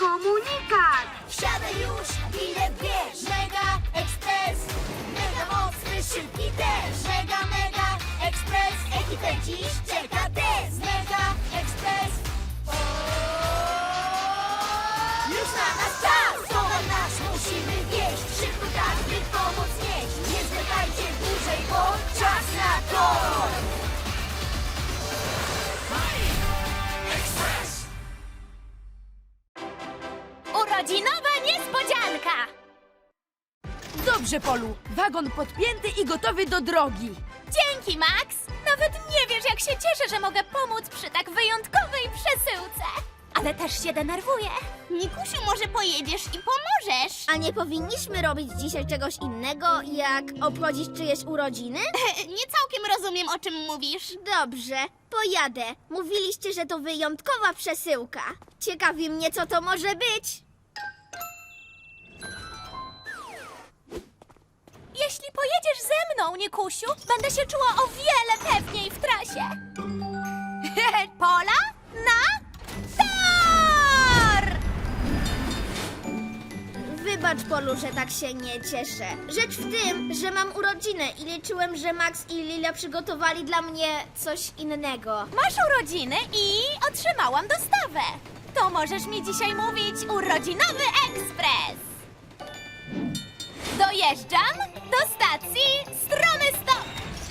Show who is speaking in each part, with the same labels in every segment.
Speaker 1: komunikat!
Speaker 2: Wsiadaj już, bilet bierz. Mega Express, mega mocny, szybki też. Mega Express, ekipę dziś czeka test. Mega Express, już na nas czas. Towar nasz musimy wieść. Szybko tak, by pomoc nieść. Nie zwlekajcie dłużej, bo czas na to.
Speaker 3: Urodzinowa niespodzianka!
Speaker 4: Dobrze, Polu. Wagon podpięty i gotowy do drogi.
Speaker 3: Dzięki, Max! Nawet nie wiesz, jak się cieszę, że mogę pomóc przy tak wyjątkowej przesyłce. Ale też się denerwuję.
Speaker 5: Nikusiu, może pojedziesz i pomożesz?
Speaker 6: A nie powinniśmy robić dzisiaj czegoś innego, jak obchodzić czyjeś urodziny?
Speaker 5: Nie całkiem rozumiem, o czym mówisz.
Speaker 6: Dobrze, pojadę. Mówiliście, że to wyjątkowa przesyłka. Ciekawi mnie, co to może być.
Speaker 3: Jeśli pojedziesz ze mną, Nikusiu, będę się czuła o wiele pewniej w trasie. Pola na tor!
Speaker 6: Wybacz, Polu, że tak się nie cieszę. Rzecz w tym, że mam urodziny i liczyłem, że Max i Lila przygotowali dla mnie coś innego.
Speaker 3: Masz urodziny i otrzymałam dostawę. To możesz mi dzisiaj mówić urodzinowy ekspres. Dojeżdżam do stacji Stromy Stop.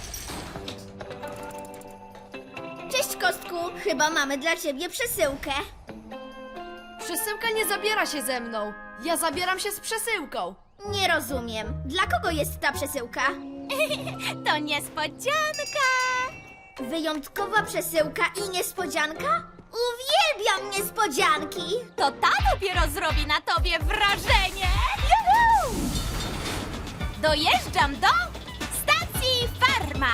Speaker 6: Cześć, Kostku. Chyba mamy dla ciebie przesyłkę.
Speaker 4: Przesyłka nie zabiera się ze mną. Ja zabieram się z przesyłką.
Speaker 6: Nie rozumiem. Dla kogo jest ta przesyłka?
Speaker 3: To niespodzianka.
Speaker 6: Wyjątkowa przesyłka i niespodzianka? Uwielbiam niespodzianki!
Speaker 3: To ta dopiero zrobi na tobie wrażenie. Juhu! Dojeżdżam do stacji Farma.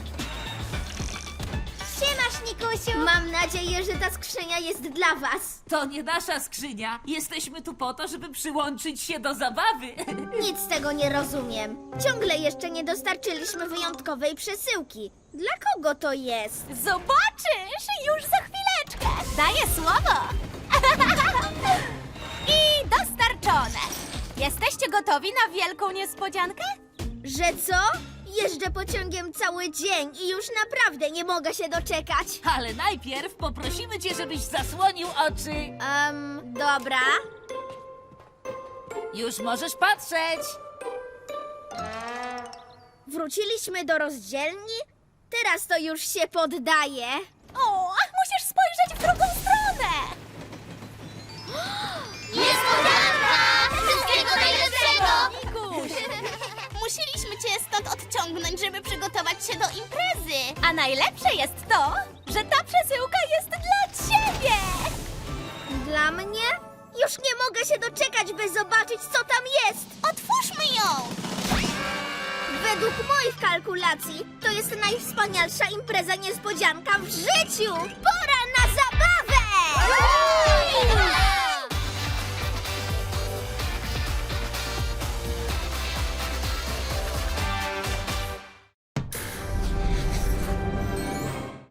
Speaker 6: Siemasz, Nikusiu! Mam nadzieję, że ta skrzynia jest dla was.
Speaker 7: To nie nasza skrzynia. Jesteśmy tu po to, żeby przyłączyć się do zabawy.
Speaker 6: Nic z tego nie rozumiem. Ciągle jeszcze nie dostarczyliśmy wyjątkowej przesyłki. Dla kogo to jest?
Speaker 3: Zobaczysz już za chwileczkę. Daję słowo. I dostarczone. Jesteście gotowi na wielką niespodziankę?
Speaker 6: Że co? Jeżdżę pociągiem cały dzień i już naprawdę nie mogę się doczekać.
Speaker 7: Ale najpierw poprosimy cię, żebyś zasłonił oczy.
Speaker 6: Dobra.
Speaker 7: Już możesz patrzeć.
Speaker 6: Wróciliśmy do rozdzielni? Teraz to już się poddaje.
Speaker 3: O, musisz spojrzeć w drugą stronę.
Speaker 2: Niespodzianka! Wszystkiego najlepszego!
Speaker 5: Musieliśmy cię stąd odciągnąć, żeby przygotować się do imprezy.
Speaker 3: A najlepsze jest to, że ta przesyłka jest dla ciebie.
Speaker 6: Dla mnie? Już nie mogę się doczekać, by zobaczyć, co tam jest.
Speaker 5: Otwórzmy ją!
Speaker 6: Według moich kalkulacji to jest najwspanialsza impreza niespodzianka w życiu. Pora na zabawę!